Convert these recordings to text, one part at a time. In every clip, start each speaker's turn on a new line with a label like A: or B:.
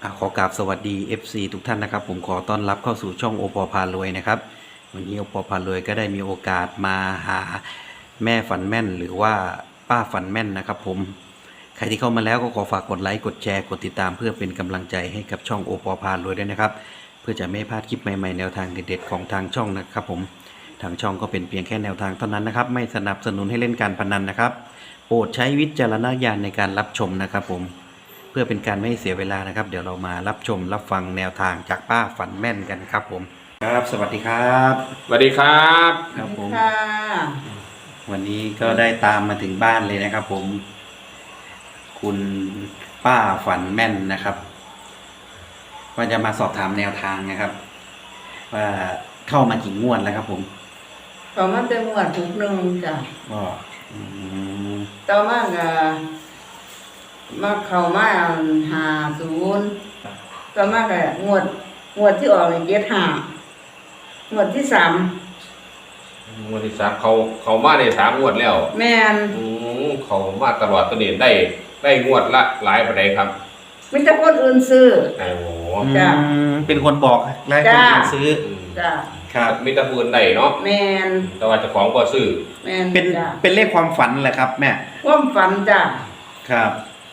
A: ขอกราบสวัสดี FC ทุกท่านนะครับผมขอต้อนรับเข้าสู่ช่องโอปอพารวยนะครับวันนี้โอปอพารวยก็ได้มีโอกาสมาหาแม่ฝันแม่นหรือว่าป้าฝันแม่นนะครับผมใครที่เข้ามาแล้วก็ขอฝากกดไลค์กดแชร์กดติดตามเพื่อเป็นกำลังใจให้กับช่องโอปอพารวยด้วยนะครับเพื่อจะไม่พลาดคลิปใหม่ๆแนวทางเด็ดๆของทางช่องนะครับผมทางช่องก็เป็นเพียงแค่แนวทางเท่านั้นนะครับไม่สนับสนุนให้เล่นการพนันนะครับโปรดใช้วิจารณญาณในการรับชมนะครับผมเพื่อเป็นการไม่เสียเวลานะครับเดี๋ยวเรามารับชมรับฟังแนวทางจากป้าฝันแม่นกันครับผมครับสวัสดีครับ
B: สวัสดีครับ
A: ครับผม
C: ค่ะ
A: วันนี้ก็ได้ตามมาถึงบ้านเลยนะครับผมคุณป้าฝันแม่นนะครับว่าจะมาสอบถามแนวทางนะครับว่าเข้ามากี่งวดแล้วครับผม
C: ต่อมาเป็นหมวดทุกหนึ่งจ้ะ
A: ก็
C: ต่อมาก็มาเข้ามา50ต่อมาก็งวดที่ออก75งวดที่3
B: งวดที่สามเขามาได้3 งวดแล้ว
C: แม่น
B: เขามาตลอดตัวนี้ได้งวดละหลายปานใดครับ
C: มีแต่คนอื่นซื้อ
B: โอ้โห
C: จ้ะ
A: เป็นคนบอกและคนอื่นซื้อ
C: จ้ะ
B: ครับมีแต่ผู้อื่นได้เนาะ
C: แม่น
B: แต่ว่าเจ้าของก็ซื้อ
C: แม่น
A: เป็นเลขความฝันแหละครับแม่
C: ความฝันจ้ะ
A: ครับ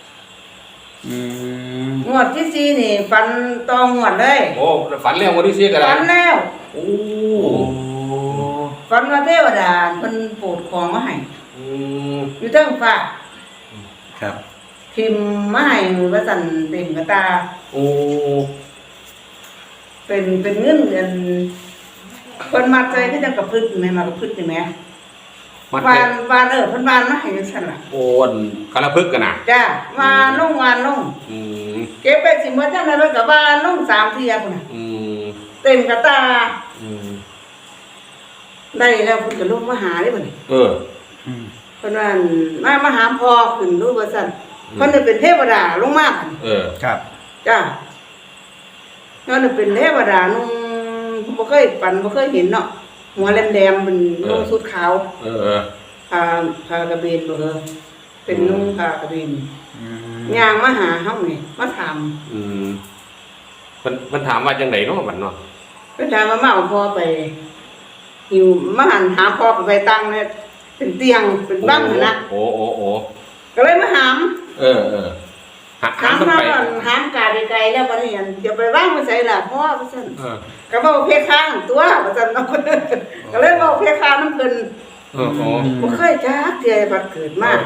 C: งวดที่4นี่ฝันต่องวดเลย
B: โอ้ฝันแล้วงวดที่4ก็ได้
C: ฝันแล้ว
B: โอ้
C: ฝันว่าเทวดาเพิ่นโปรดของมาให้อยู่เทิงฟ้า
A: ครับ
C: พิมพ์มาให้ว่าสั่นเต็มกระตา
B: โอ้
C: เป็นเงินเดือนเพิ่นมัดใจคือจังกระพึดแม่มากระพึดนี่แม่วานเพิ่นวานมาให้จังซั่นล่ะ
B: โอ้นกระพึกกันน่ะ
C: จ้าวานลงเก็บไปสิหมดจังได๋เพิ่นก็วานลง3เที่ยพุ่นน่ะเต็มกระตาได้แล้วเพิ่นก็ลงมาหาเด้บัดนี้
B: เ
C: เพิ่นว่ามาหาพ่อขึ้นรู้ว่าซั่นเพิ่นเป็นเทวดาลงมา
A: ครับ
C: จ้าเพิ่นเป็นเทวดานุ่งบ่เคยฝันบ่เคยเห็นเนาะหัวแหลมๆเป็นนุ่งชุดขาวผ้ากระเบนบ่เป็นนุ่งผ้ากระเบนย่างมาหาเฮานี่มาถาม
B: มันถามว่าจังได๋เนาะบัดเนาะ
C: เพิ่นถามว่ามาเอาพ่อไปหิวมาหาพ่อไปตั้งเนี่ยเป็นเตียงเป็นบั้งนะ
B: โอ้
C: ก็เลยมาหาม
B: หาม
C: ไปหามกาไกลๆแล้วบัดนี้เดี๋ยวไปวางไว้ไสล่ะพ่อว่าซั่นก็เว้าเพคางตัวว่าซั่นเนาะก็เลยเว้าเพคางนำเพิ่นบ่เคยจักเที่ยบัดเกิดมา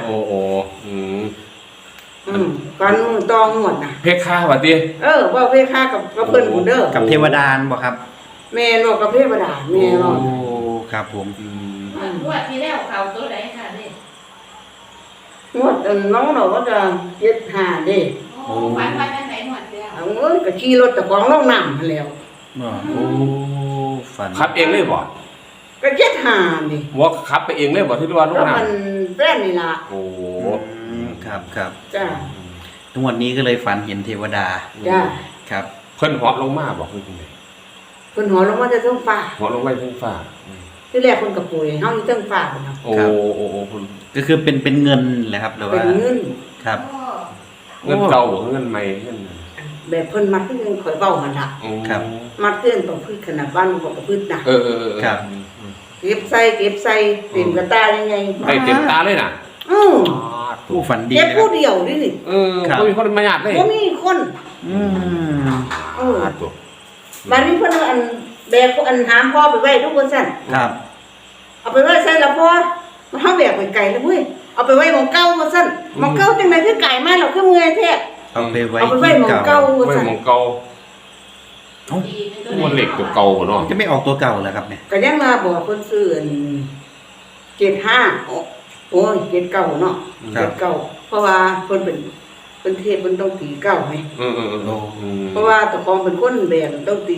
C: ก่อนต้องหมดน่ะ
B: เพคาว่าติ
C: เว้าเพคากับเพิ่นพุ่นเด้อ
A: กับเทวดาบ่ครับ
C: แม่นกับเทวดาแม่น
A: ครับผม
D: งวดที่แล้วเขาตัวไหนค่ะนี่
C: งวดน้องเราก็จะ75เด้
D: ฝันว่าจังได๋งวดที่แล้ว
C: ก็ขี่รถตะของลงน้ำแล้ว
A: ฝัน
B: ขับเองเลยบ่
C: ก็75นี่
B: ว่าขับไปเองเลยบ่ที่ว่าลงน้ำ
C: มันแฟนนี่ล่ะ
B: โอ้
A: ครับ
C: จ้า
A: ทุกวันนี้ก็เลยฝันเห็นเทวดา
C: จ้า
A: ครับ
B: เพิ่นเหาะลงมาบอกคือจังได๋
C: เพิ่นเหาะลงมาจากเทิงฟ้า
B: เหาะลงมาจากเทิงฟ้า
C: ที่แรกเพิ่นก็ป่วยเฮาอยู่เทิงฟ้าพุ่นน่ะ
B: โอ้คุณ
A: ก็คือเป็นเงินแหละครับหรือว่า
C: เป็นเงิน
A: ครับ
B: เงินเก่าเงินใหม่เงิน
C: แบบเพิ่นมัดคือข่อยเว้าหั่นน่ะ
A: ครับ
C: มัดเกินต้องพึ่งขนาดบ้านบ่ก็พึ่งน่ะ
A: ครับ
C: เก็บใส่เต็มกระตายังไง
B: ได้เต็มตาเลยน่ะ
A: ผู้ฝันดี
C: เก็บผู้เดียวนี่
B: บ่มีคนมาญาติเลย
C: บ่มีคนบัดนี้เพิ่นอันแบกอันหามพ่อไปไว้ทุกคนซั่น
A: ครับ
C: เอาไปไว้ใส่ละพ่อมันเฮาแบกไปไกลแล้วเว้ยเอาไปไว้หม้องเก่าว่าซั่นหม้องเก่าจังได๋คือไกลมาแล้วคือเมื่อยแท้
A: เอาไปไว้
C: หม้องเก่าว่าซั่น
B: หม้องเก่ามันเหล็กตัวเก่าเนาะ
A: จะไม่ออกตัวเก่าเหรอครับเนี่ย
C: ก็ยังมาบอกเพิ่นซื้อ75โอ้ย79เนาะ79เพราะว่าเพิ่นเป็นเทพเพิ่นต้องตี9ไงเพราะว่าตะของเป็นคนแบกต้องตี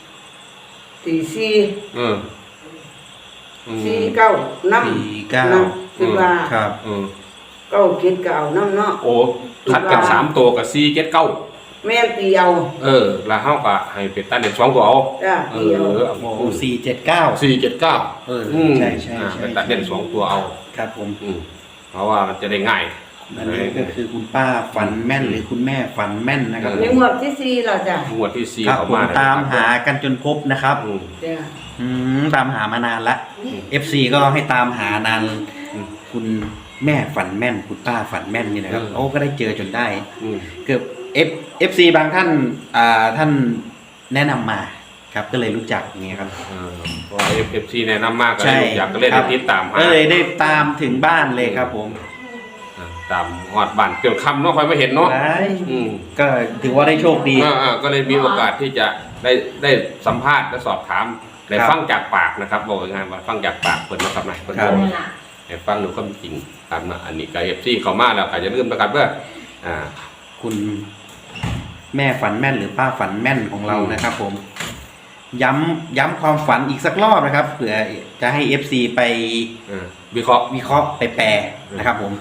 C: 49นำคือว่า
A: ครับ
C: 9 7ก็เอานำเนาะ
B: โอ้ถัดกัน3ตัวกับ4 7 9
C: แม่นตีเอา
B: แล้วเฮาก็ให้เป็นตันเด็ก2ตัวเอา
C: จ้ะตีเอา
A: 479
B: ใช่
A: ๆ
B: เป็นตัดเด่น2ตัวเอา
A: ครับผม
B: เพราะว่ามันจะได้ง่าย
A: อันนี้ก็คือคุณป้าฝันแม่นหรือคุณแม่ฝันแม่นนะครับ
C: ในงวดที่สี่เราจ้ะ
B: งวดที่สี่
A: ครับ
B: เขา
A: ผม
B: มา
A: ตามหากันจนพบนะครับ
C: จ้ะ
A: ตามหามานานละ FC ก็ให้ตามหานานคุณแม่ฝันแม่น คุณป้าฝันแม่นนี่นะครับโอ้ก็ได้เจอจนได้ เกือบ FC บางท่านท่านแนะนำมาครับก็เลยรู้จักอย่างเงี้ยครับ
B: เพราะว่า FC แนะนำมากก็
A: ใช่
B: เลยอยากก็เลยได้ติดตามหา
A: ก็เลยได้ตามถึงบ้านเลยครับผม
B: ตามหอดบ้านจนค่ำเนาะค่อยมาเห็นเนาะ
A: ได้
B: อืม
A: ก็ถือว่าได้โชคดี
B: ก็เลยมีโอกาสที่จะได้สัมภาษณ์และสอบถามได้
A: ครับ
B: ฟังจากปากนะครับบอกง่ายๆว่าฟังจากปากเพิ่นนะครับนะเพิ่น
A: ครับ
B: บอกให้ฟังดูความจริงครับนะอันนี้ก็ FC เข้ามาแล้วก็อย่าลืมนะครับว่า
A: คุณแม่ฝันแม่นหรือป้าฝันแม่นของเรานะครับผม ย้ำความฝันอีกสักรอบนะครับเผื่อจะให้ FC ไป
B: วิเคราะห์
A: วิเคราะห์ไปแปลนะครับผม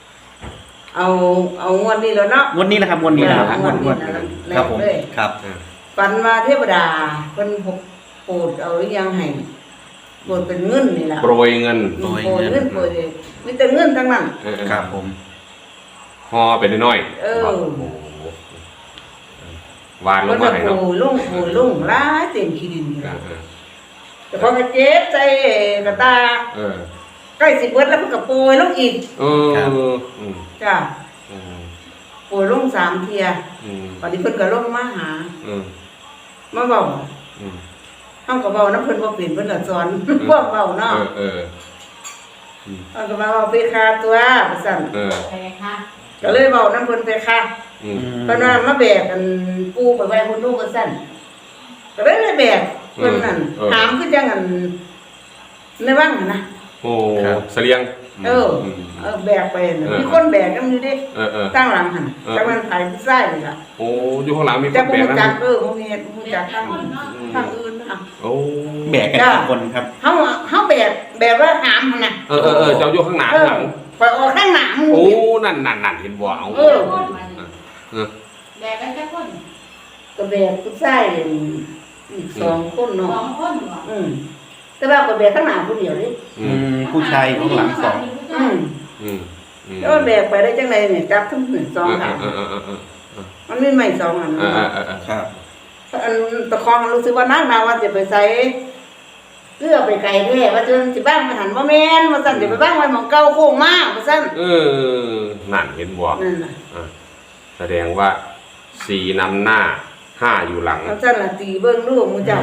C: เอางวดนี้แล้วเนาะ
A: งวดนี้นะครับงวดนี้นะครับ
C: งวดนี้
A: งวด
C: นะ
A: ครับผม
C: แรกเลย
A: ครับ
C: ฝันว่าเทวดาเพิ่นโปรดเอาหรือยังให้โปรดเป็นเงินนี่ล่ะ
B: โปรยเงิน
A: โปรย
C: โปร
A: เงิ
C: ย
A: น
C: เงินโปรยมีแต่เงินทั้งนั้น
A: ครับผม
B: ห่อเป็นน้อยๆ
C: เออ
B: โอ้โหวานล
C: เพิ่
B: ง
C: น
B: มา
C: ก็
B: ให้
C: โปร
B: เนาะ
C: ยลงหลายเต็มขี้ดินอยู่
B: เอ
C: แล้ว
B: อ
C: แต่พอก็เจ็บใจกระตา
B: เออ
C: ใกล้สิเบิดแล้วเพิ่นก็โปรยลงอีก
B: เอออืม
C: จ้ะ
B: อืม
C: โปรยลง3เที่ย
B: อืม
C: บัดนี้เพิ่นก็ลงมาหา
B: อืม
C: มาเว้า
B: อืม
C: เฮาก็เว้านำเพิ่นบ่เป็นเพิ่นก็สอนพวกเว้าเนาะ
B: เออ
C: เฮาก็มาเว้าไปคาตัวว่าซั่น
B: เออ
D: ไปค่ะ
C: ก็เลยเว้านำเพิ่นไปค่ะ
B: อืม
C: เพิ่นว่ามาแบกกันปูไปไว้คนนู้นว่าซั่นก็เลยแบกเพิ่นนั่นถามคือจังอันในวังน่ะนะ
B: โอ้เสลียง
C: แบกไปน่ะมีคนแบกกันอยู่ดิ
B: เออ
C: ตั้งหลังหั่นจักมันไผผู้ชายนี่ล่ะ
B: โอ้อยู่ข้างหลังมีค
C: จัก
B: น
C: บ่
B: แบก
C: รู้จั
B: นะ
C: กบ่มีรู้จักทางอื่นน่ะ
B: โอ้
A: แบกกันกี่คนครับ
C: เฮาแบกว่าหามหั่นน่ะ
B: เออเจ้าอยู่ข้างหน้าข้างหลัง
C: ไปออกข้างหน้าหมู่
B: โอ้นั่นเห็นบ่เอา
C: เออ
D: แบกกันแค่คน
C: ก็แบกผู้ชายอีก2คน
D: ส
C: เนาะ
D: องคนเหรอ
C: แต่ว่าก็แบกข้างหน้าผู้เดียวดิ
A: ผู้ชายข้างหลังสอง
C: แล้วมันแบกไปได้จังไดเนี่ยจับทั้ง2ขามันมีไม้2อัน
A: ครับ
C: อันตะคองรู้สึกว่านางนาว่าจะไปใส่เพื่อไปไกลแท้ว่าจนสิบ้างมาหันบ่แม่นว่าซั่นจะไปบ้างไว้หม่องเก่าโค้งมาว่าซั่น
B: นั่นเห็นบ่
C: นั่นน่ะ
B: แสดงว่า4นำหน้า5อยู่หลัง
C: ว่าซั่นล่ะตีเบิ่งดูหมู่เจ้า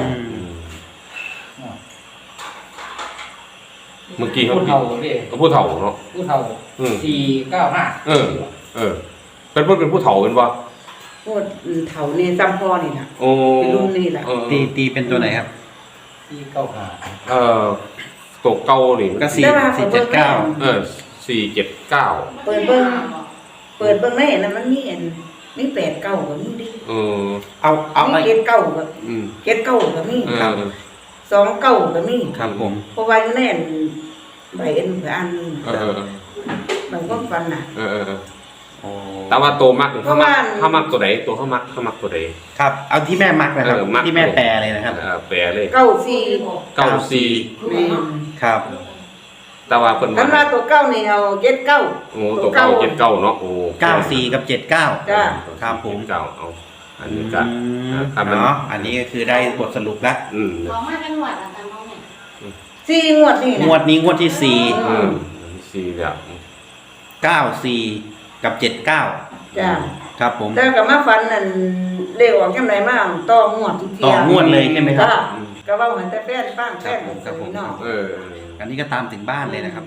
B: เมื่อกี้เขา
E: ผู้เฒ่าเด้
B: ผู้เฒ่าเนาะ
E: ผู้เฒ่า495
B: เออเป็นผู้เฒ่าเป็นบ่
C: โคตรเฒ่านี่ซ้ำพ่อนี่ล่ะ
B: โอ้
C: เป็นรุ่นนี่ล่ะ
A: ตีเป็นตัวไหนครับ
E: 495
B: ตกเก่านี่
A: ก็4 479
B: 479
C: เปิดเบิ่งในนั้นมันมีอันมี8เก้าก็มีดิ
A: เอา
C: มีเกตเก้าก็
B: อืม
C: เกตเก้าก็มี
A: ครับ
C: 2เก้าก็มี
A: ครับผม
C: เพราะว่าอยู่ในอันใบอันอันมันก็ฟันน่ะ
B: แต่ว่าโตมากเขามักตัวไหนตัวเขามักตัวไหน
A: ครับ เอาที่แม่มักนะครับ
B: มัก
A: ที่แม่แปลเลยนะครับ
B: แปลเลย
C: เก้าสี่
B: 94
C: แม่น
A: ครับ
B: แต่ว่าเพิ่น
C: คันว่าตัวเก้านี่เอาเจ็ดเก้า
B: โอ้ตัวเก้า79เนาะโอ้
A: 94 กับ 79
C: จ้า
A: ครับผม
B: เก้าเอาอันนี้ก็ ครับมัน
A: เนาะอันนี้ก็คือได้บทสรุปแล้ว
D: บอกมาจังหวัดอะไรบ้างเนี่ย
C: สี่งวดนี่
A: ง
C: นะ
A: วดนี้งวดที่
B: 4แล้ว
A: 4 94 กับ 79
C: จ้า
A: ครับผม
C: แต่ก็มาฟันนั่นเลขออกจังไดมาต่องวดทุกเที่ย
A: ต่องวดเลยใช่ไหมครับ
C: จ้าก็ว่าเหมือนแต่แป้นบ้างแป้น
A: ครับผม
C: เนาะ
A: อันนี้ก็ตามถึงบ้านเลยนะครับ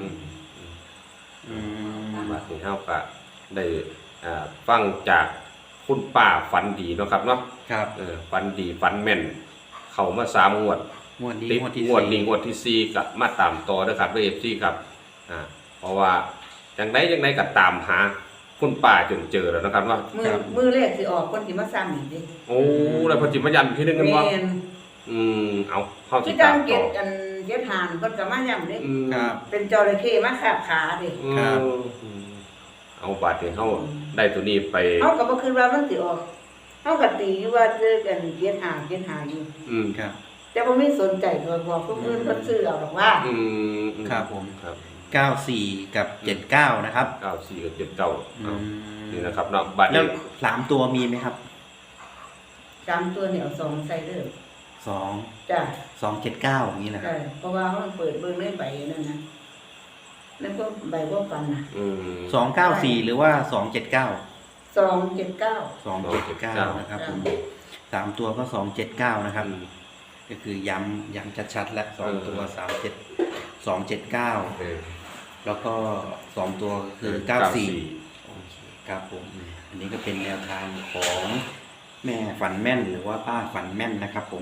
B: บัดนี้เฮาก็ได้ฟังจากคุณป้าฝันดีเนาะครับเนาะ
A: ครับ
B: ฝันดีฝันแม่น เข้ามา3งวด
A: งวดนี้
B: ติด
A: งวดที่
B: งวดนี้งวดที่4ก็มาตามต่อเด้อครับเด้อ FC ครับเพราะว่าจังไดก็ตามหาคุณป้าจนเจอแล้วนะครับว่า
C: มือเลขสิออกคนสิมาซ้ำอีกดิ
B: โอ้แล้วเพอจิมายันที่นึงกันว่า
C: แม่น
B: เอาเข้า
C: คื
B: ที่
C: อจั
B: ตาง ม
C: เก็
B: ต่
C: บ
B: อ
C: กันเก็บหานเพิ่นก็มาย้ำดิ
A: ครับ
C: เป็นจระเข้มาขาบขาดิ
A: ครับ
B: เอาบาดที่เฮาได้ตัวนี้ไป
C: เฮาก็บ่คิดว่ามันสิออกเฮาก็ตีอยู่ว่าเจอกันเก็บหาอยู่
B: ครับ
C: แต่บ่มีสนใจตัวบอกคนอื่นเพิ่นซื้อเอาหรอกว่า
A: ครับผม
B: ครับ
A: 94 กับ 79 นะครับ
B: 94กับ79
A: อืม
B: นี่นะครับเนาะบัตร
A: แล้ว
B: นี้
A: 3 ตัวมีไหมครับ
C: 3ตัวเนี่ยเอา2ใส่เด้อ
A: 2
C: จ้ะ
A: 279อย่างนี้นะครั
C: ใช่
A: บ
C: เพราะว่าเขาเปิดเบิ่งในใบนั่นนะแล้วก็ใบว่าปันน่ะ
B: อืม
A: 294 หรือว่า 279
C: 279
A: 279 นะครับผม3 ตัวก็ 279 นะครับ ก็คือย้ำชัดๆแล้ว2 ตัว 279
B: เออ
A: แล้วก็2 ตัวก็คือ 94 โอเคครับผม อันนี้ก็เป็นแนวทางของแม่ฝันแม่นหรือว่าป้าฝันแม่นนะครับผม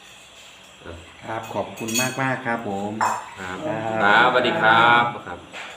A: ครับขอบคุณมากครับผม
B: ครับ
A: ครับ
B: ครับสวัสดีครับ